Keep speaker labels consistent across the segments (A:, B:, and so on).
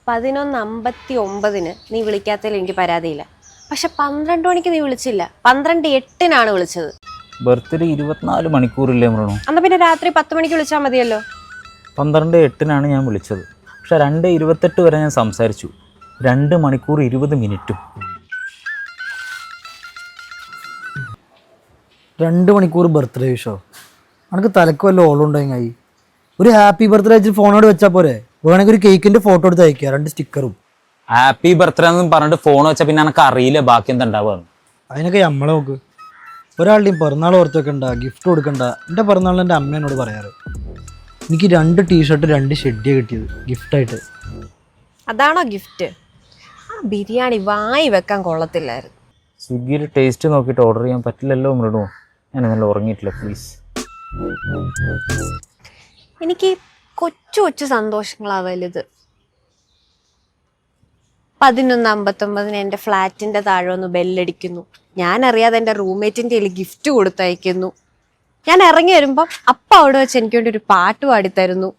A: 11:59 നീ വിളിക്കാത്തതിൽ എനിക്ക് പരാതിയില്ല. പക്ഷെ 12 മണിക്ക് നീ വിളിച്ചില്ല. 12:08 വിളിച്ചത്.
B: ബർത്ത്ഡേ 24 മണിക്കൂറില്ലേ മൃണു?
A: എന്നാ പിന്നെ രാത്രി 10 മണിക്ക് വിളിച്ചാൽ മതിയല്ലോ.
B: 12:08 ഞാൻ വിളിച്ചത്. പക്ഷെ 2:28 വരെ ഞാൻ സംസാരിച്ചു. 2 മണിക്കൂർ 20 മിനിറ്റും.
C: 2 മണിക്കൂർ ബർത്ത്ഡേ വിഷോ? എനിക്ക് തലക്ക് വല്ല ഓളുണ്ടായി. ഒരു ഹാപ്പി ബർത്ത്ഡേ വെച്ചിട്ട് ഫോണോട് വെച്ചാൽ പോരെ? വേണമെങ്കിൽ ഒരു കേക്കിന്റെ ഫോട്ടോ എടുത്ത് അയക്കുക, 2 സ്റ്റിക്കറും.
B: ഹാപ്പി ബർത്ത്ഡേ എന്ന് പറഞ്ഞിട്ട് ഫോൺ വെച്ചാൽ പിന്നെ എനിക്ക് അറിയില്ല ബാക്കി എന്താ ഉണ്ടാവുക.
C: അതിനൊക്കെ നമ്മളെ നോക്ക്. ഒരാളുടെയും പിറന്നാൾ ഓർത്ത് വെക്കണ്ട, ഗിഫ്റ്റ് കൊടുക്കണ്ട. എൻ്റെ പിറന്നാളിന് എൻ്റെ അമ്മ എന്നോട് പറയാറ്. എനിക്ക് 2 ടീഷർട്ട് 2 ഷെഡിയാണ് കിട്ടിയത് ഗിഫ്റ്റായിട്ട്.
A: അതാണോ ഗിഫ്റ്റ്? ആ ബിരിയാണി വായി വെക്കാൻ കൊള്ളത്തില്ലായിരുന്നു.
B: സ്വിഗ്ഗിയിൽ ടേസ്റ്റ് നോക്കിയിട്ട് ഓർഡർ ചെയ്യാൻ പറ്റില്ലല്ലോ മൃണു. ഞാൻ നല്ല ഉറങ്ങിയിട്ടില്ല പ്ലീസ്.
A: എനിക്ക് കൊച്ചു കൊച്ചു സന്തോഷങ്ങളാ വലുത്. 11:59 എൻ്റെ ഫ്ലാറ്റിന്റെ താഴെ ഒന്ന് ബെല്ലടിക്കുന്നു. ഞാൻ അറിയാതെ എൻ്റെ റൂംമേറ്റിന്റെ കയ്യിൽ ഗിഫ്റ്റ് കൊടുത്തയക്കുന്നു. ഞാൻ ഇറങ്ങി വരുമ്പം അപ്പ അവിടെ വെച്ച് എനിക്ക് വേണ്ടി ഒരു പാട്ട് പാടിത്തരുന്നു.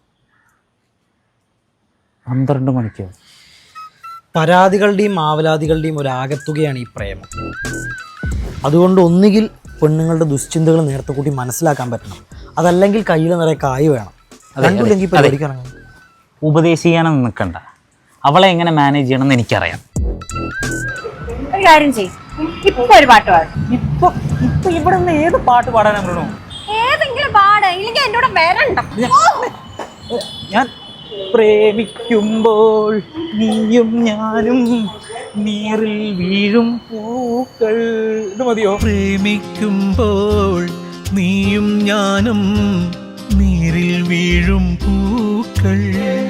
B: 12 മണിക്കോ?
C: പരാതികളുടെയും ആവലാതികളുടെയും ഒരു ആകത്തുകയാണ് ഈ പ്രേമം. അതുകൊണ്ട് ഒന്നുകിൽ പെണ്ണുങ്ങളുടെ ദുശ്ചിന്തകൾ നേരത്തെ കൂട്ടി മനസ്സിലാക്കാൻ പറ്റണം, അതല്ലെങ്കിൽ കയ്യിൽ നിറയെ കായ് വേണം. രണ്ടില്ലെങ്കിൽ പരിപാടിക്കിറങ്ങും.
B: ഉപദേശിക്കാനൊന്നും നിൽക്കണ്ട. അവളെ എങ്ങനെ മാനേജ് ചെയ്യണമെന്ന് എനിക്കറിയാം.
A: ഒരു കാര്യം ചെയ്യും, ഇപ്പൊ ഒരു പാട്ട് പാടും.
B: ഇപ്പൊ ഇവിടെ നിന്ന് ഏത് പാട്ട് പാടാനാ മൃണു?
A: ഏതെങ്കിലും പാട്, ഇല്ലെങ്കിൽ എൻ്റെ കൂടെ വരണ്ട.
B: ഞാൻ പ്രേമിക്കുമ്പോൾ നീയും ഞാനും നീറിൽ വീഴും പൂക്കൾ. ഇത് മതിയോ?
D: പ്രേമിക്കുമ്പോൾ നീയും ഞാനും നീരിൽ വീഴും പൂക്കൾ.